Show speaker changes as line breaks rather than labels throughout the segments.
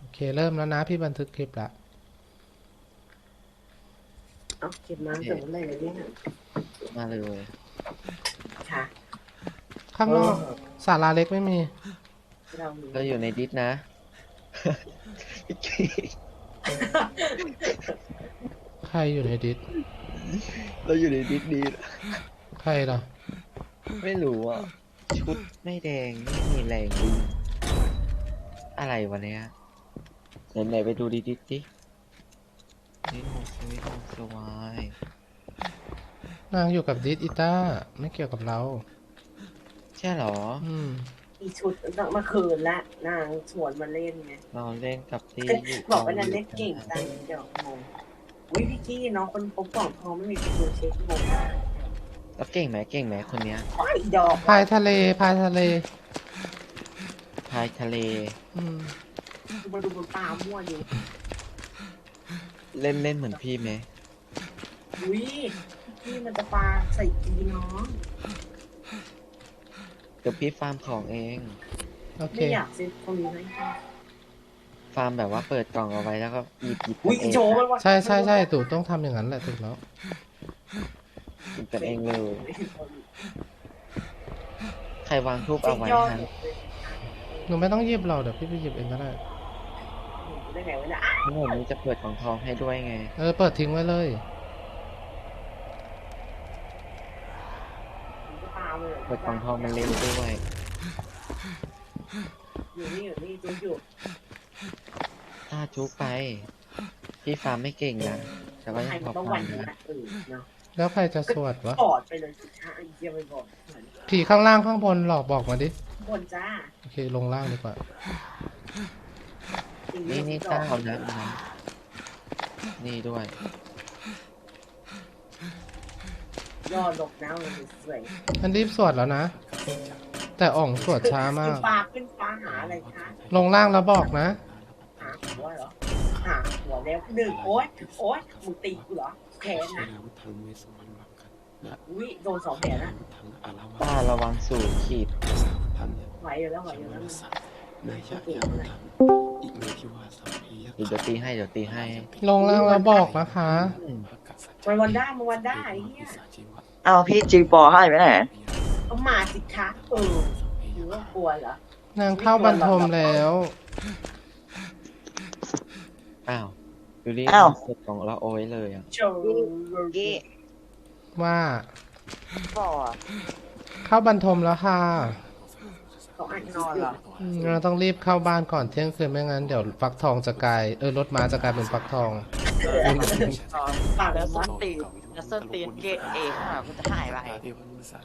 เคเริ่มแล้วนะพี่บันทึกคลิปละ
เอาเก็บน้ำแต่เมื่อไหร่เนี่ย
มาเลย
ค่ะ
ข้างนอกศาลาเล็กไม่มี
เรามี
เราอยู่ในดิสนะ
ใครอยู่ในดิส
เราอยู่ในดิสดีนะ
ใครล่ะ
ไม่รู้อ่ะ ชุดไม่แดงไม่มีแรงวิ่งอะไรวะเนี้ยไหนไปดูดิสดิดิสโฮสวิตโฮสวาย
นางอยู่กับดิสอีต้าไม่เกี่ยวกับเรา
ใช่เหรอ
อีชุดต้องมาคืนละนางชวนมาเล่นไง
เราเล่นกับที่อยู่
บอกว่านันเล่นเก่งจังเดี๋ยวงงวิพี่กี้น้องคนพบกล่องทองไม่มีตัวเช็คงง
แล้วเก่งไหมคนเนี้ย
ว้ายดอก
พายทะเลพายทะเล
พายทะเล
มาดูบนตามั่วอยู่
เล่นเหมือนพี่ไหม
อุ้ยพี่มันจะปลาใส่กีน้อง
เดี๋ยวพี่ฟาร์มของเอง
โอเค
ไม่อยากซื้อตรงนี้ให้
ฟาร์มแบบว่าเปิดกล่องเอาไว้แล้วก็หยิบ
อุ้ย
กันเอง
โจมันว่า
ใช่ใช่ใช่ตู่ต้องทำอย่างนั้นแหละถูกแล้ว
หยิบกันเองเลย ใครวางทูบเอาไว้ฮะ
หนูไม่ต้องหยิบเราเดี๋ยวพี่ไปหยิบเองก็ได้
ได้ไงวะเนี่ย
ทั้งหมดนี้จะเปิดกล่องทองให้ด้วยไง
เปิดทิ้งไว้เลย
ตามเลย
เปิดกล่องทองมันเล่นด้วย
อยู่นี่จูอยู่
ถ้าจุกไป พี่ฟาร์มไม่เก่งนะแต่ก็
ใคร
ยัง
มั
ข
น
อ
ต้อง
ฟา
วั
ร์
น
ม
นี้
นะ
นะเนาะ
แล้วใครจะสวดวะ
ถอดไปเลยสิคะไอ้เยี่ยไปบอก
ผีข้างล่างข้างบนหลอกบอกมาดิ
บนจ้า
โอเคลงล่างดีกว่า
นี่ต้าเอานะนี่ด้วย
ยอดลกน้ำเลยสวย
มันรีบสวดแล้วนะ แต่อ่องสวดช้ามาก
ขึ้นฟ้าหาอะไรคะ
ลงล่างแล้วบอกนะ
หาหัวเหรอหาหัวแล้วหนึ่งโอ๊ยมึงตีกูเหรอแขนนะอุ้ยโดน2 แผลนะ
ต้าระวังสูงขีด
ไหวอยู่แล้วมัน
เดี๋ยวตีให้
ลงล่างแล้วบอกนะคะ
วันด้าไอ้เหี้ย
เอาพี่จีปอให้ไปไหน
ก็มาสิคะหรือว่ากลัวเหรอน
างเข้าบรรทมแล้ว
อ้าวดูดิเปิดกล่องแล้วโอ้ยเลยอ่ะ
โจ
กี้
ว่า
ปอ
เข้าบรรทมแล้วค่ะ
เขาอ่านนอนเหรอ
เราต้องรีบเข้าบ้านก่อนเที่ยงคืนไม่งั้นเดี๋ยวฟักทองจะกลายรถม้าจะกลายเป็นฟักทอง
ปาก
แล้ว
มั
ส้
น
นตีนแล้วส้นตีนเกตเอค่ะมันจะหายไปนั่นเดี๋ยว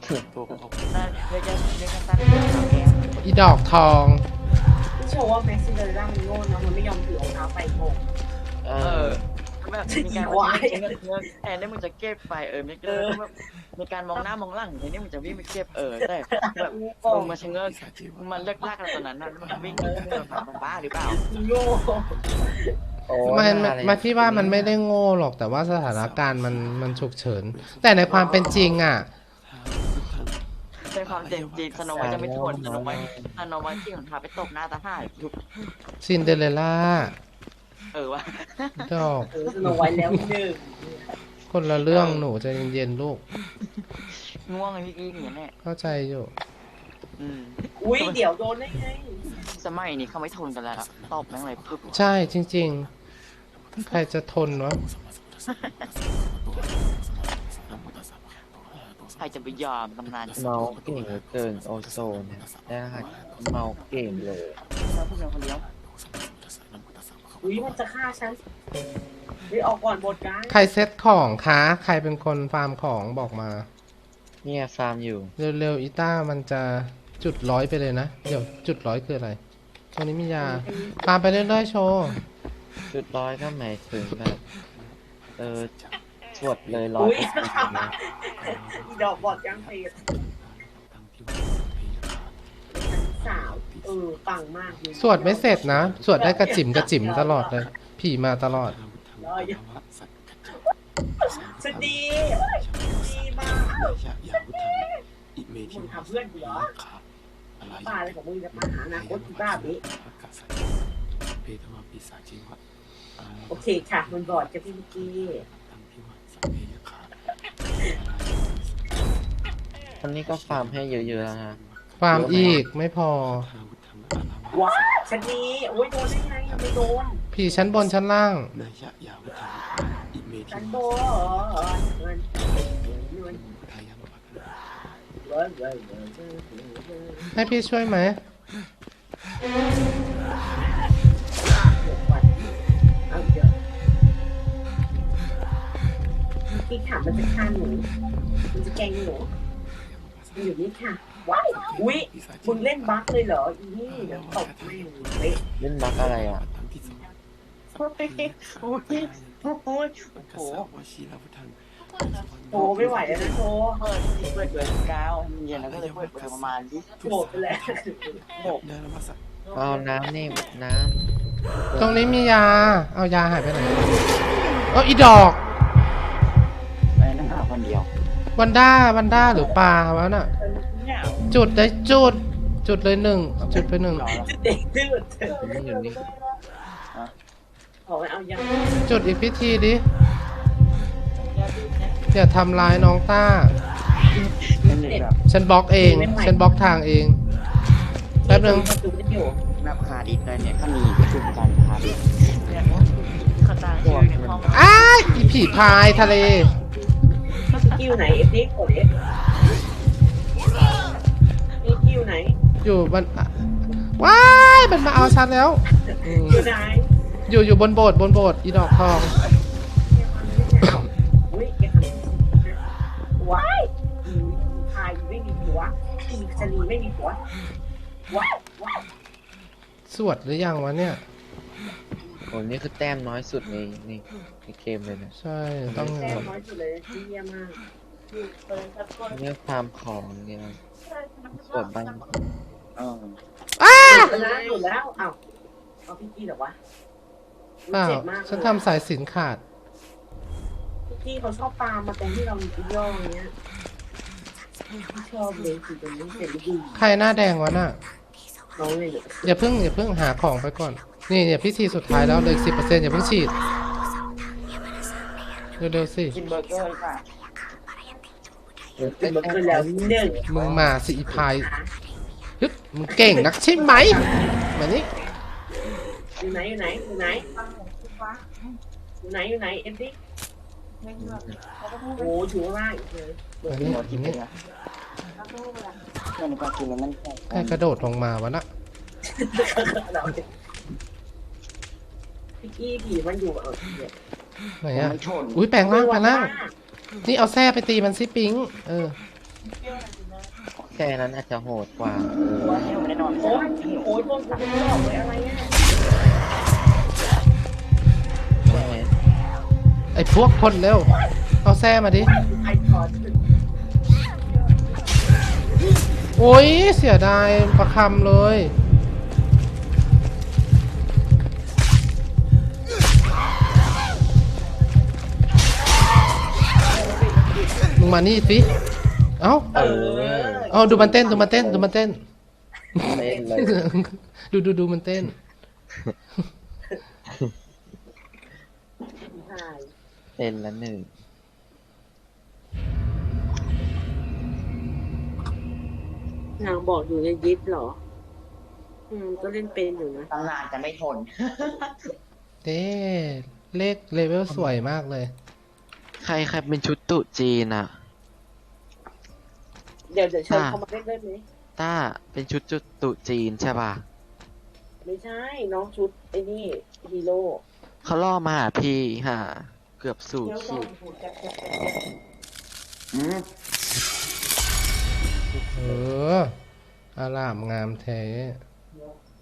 จะตั้งแก
อีดอกทอง
พี่โชว์ว่าแม็กซิเดอร์ล่ามันโง่นะมันไม่ยอมถือรองเท้าไปโง่
เอ
เอ
อ
อแบบมีการแทนได้มึงจะเก็บไปไม่เกินมีการมองหน้ามองหลังทีนี้มึงจะวิ่งไปเก็บแต่แบบมึงมาชะเง้อมันเลิกลากกันตอนนั้นน่ะมันวิ่งมันบ้าหรือเปล่า
โง่
โอ้
มันพี่ว่ามันไม่ได้โง่หรอกแต่ว่าสถานการณ์มันฉุกเฉิน แต่ในความเป็นจริงอ่ะ
ในความเจ็บจีนสโนไว้จะไม่ทนสโนไว้ที่ของทาไปตบหน้าตาห่าทุก
ซินเดอเรลล่า
ว่ะ
ดอก
สโนไว้แล้วหนึ่ง
คนละเรื่องหนูใจเย็นๆลูก
ง่วงไอ้พี่กี้อย่างนี้แน่
เข้าใจอยู่
อุ้ยเดี๋ยวโดนได้ไง
สมัยนี้เขาไม่ทนกันแล้วตบแม่งเลยปึ๊บ
ใช่จริงๆ ใครจะทนวะ
ใครจะไปยอมตำนาน
เมาเก่งเหลือเกินโอโซนเนี่ยได้เมาเก่งเลย
เราพูดเป็นคนเดียว
อุ้ยมันจะฆ่าฉันอุ้ยออกก่อนบทกัน
ใครเซ็ตของคะใครเป็นคนฟาร์มของบอกมา
เนี่ยฟาร์มอยู่
เร็วๆอีต้ามันจะจุด100ไปเลยนะ เดี๋ยวจุด100คืออะไรตรงนี้มียาฟาร์มไปเรื่อยๆโชว์
จุดร้อยก็หมายถึงแบบสวดเลยร้อย
อุ้ยดอกบอดยังเพลสาวปังมาก
สวดไม่เสร็จนะ สวดได้กระจิ๋มตลอดเลย ผีมาตลอด
สดีมากมึงทำเพื่อนกูเหรอป้าอะไรของมึงจะมาหาอนาคตกูบ้าบิ
เพทวาปีศาจจิวะ
โอเคค่ะมันบอดจะพี่มิกกี้
ตังพิวะสัพเพยคา
คนนี้ก็ฟาร์มให้เยอะๆแล้วฮะ
ฟาร์มอีกไม่พอ
อาวุธธรรมะอาลาวะ
ว้าฉันนี้โอ้ยโดนได้ไงไม่โดน
พี่ชั้นบนชั้นล่าง
นายะยาวุธธรรมะอิเมทิ
ฉัน
ม
โดนเงิน
ทายัมปะกัน
ให้พี่ช่วยไหม
เอาเยอะพี่ถามมันจะฆ่าหนูมันจะแกล้งหนูมันอยู่นี่ค่ะว้ายอุ้ยมึงเล่นบั๊กเลยเหรออีนี่เดี๋ยวตบแม่งเละ
เล่นบักอะไรอ่ะ
ตังพิสวะ
โอ้ยโอ้ยโอ้ย
ปัก
โอ้
กะ
โห
สะวะชีลาวุธัง
โตไม่ไหวแล้วนะโต
เปิดเบอร์9เย็นแล้วก็เลยเปิดเบอร์ประมาณ20
โกรธไปแล้ว
เดินมาสัก
เอาน้ำนี่น้
ตรงนี้มียา เอายาหายไปไหนเอาอีดอก
ไอ้นั่นหาคนเดียว
วันด้าหรือปลาวะน่ะ
เนี่ย
จุดได้จุดเลยหนึ่งจุดไปหนึ่ง
เด็กดื้อ
ำนี่อยู่นี่
ขอไปเอายา
จุดอีกพิธีดิอย่าทำร้ายน้องต้า
เป็นเด็กแบบ
ฉันบล็อกเอง ฉันบล็อกทางเอง แป๊บนึง
ดูได้อยู่
แบบขาดิดเลยเนี่ยถ้ามีประชุมกันขาดิดเนี่ยเขาตั้งชื่อในห้อง
อ้ายอีผีพายทะเล
คิวไหนเอฟดีกดเอฟนี่คิวไหน
อยู่บนว้ายมันมาเอาฉันแล้วอืม
คิวไหน
อยู่บนโบสถ์อีดอกทอง
อุ้ยแกทำว้ายพายไม่มีหัวอีชนีไม่มีหัวว้ายว้าย
สวดหรือยังวะเนี่ย
โอ้นี่คือแต้มน้อยสุดในเกมเลยนะ
ใช่ต้อง
แต้มน้อยสุดเลยเยี่ยมมาก
เนี่ยฟาร์มของเนี่ยสวดบ้าน
หยุดแล้วหยุดแล้วอ้าวเอาพี่กี้เหรอวะ
เปล่า
เจ็บมาก
ฉันทำสายสิญจนขาด
พี่กี้เขาชอบตามมาตรงที่เรามีย่ออย่างเงี้ยชอบเลยคือตรงนี้เสร็จดี
ใครหน้าแดงวะน่ะ
น้องเลยเนี่ย
อย่าเพิ่งหาของไปก่อน นี่เนี่ยพิธีสุดท้ายแล้วเหลย10%อย่าเพิ่งฉีด เร็วๆสิ
กินเบอร์เกอร์ค่ะ
เป็นเบอร์เกอร์แล้วหนึ่ง
มึงมาสิอีพายฮึบมึงเก่งนักใช่ไหมมานี่
อยู่ไหนอยู่ไหนอยู่ไหนอยู่ไหนอยู่ไหนเอ็มดิโอ้อยู่ข้างล่างอีกเลย
มานี่
หมดกิน
นี่
เลยมันก็กินแล้วมัน
ใครกระโดดลงมาวะน่ะ
พี่กี้ผีมันอยู่เนี่ย
ไหนอะ
มันชน
อุ้ยแปลงร่างแปลงร่าง นี่เอาแส้ไปตีมันสิปิง
แค่นั้นอาจจะโหดกว่า
ว่าที่ไม่ได้นอน
โอ้ยโอ้ยพวกคุณไม่บอกเลยอะไรเนี่ย
ใช่ไหม
ไอ้พวกคนเร็ว เอาแส้มาดิ
ไอพอด
โอ้ยเสียดายประคำเลย มึงมานี่สิ เอ้า เอาดูมันเต้น
เล่นเลย
ดูมันเต้น
ใช่
เล่นละหนึ่ง
นางบอกอยู่ในยิปเหรอก็เล่นเป็นอยู่นะ
ตั้งนานจะไม่ทน
เด้เลขเลเวลสวยมากเลย
ใครเป็นชุดตุจีนอ่ะ
เดี๋ยวเชิญเขามาเล่นได้ไหม
ต้าเป็นชุดตุจีนใช่ป่ะ
ไม่ใช่น้องชุดไอ้นี่ฮีโร่
เขาล่อมาหาพี่ฮะเกือบสู่ขีด
เออ อารามงามแท้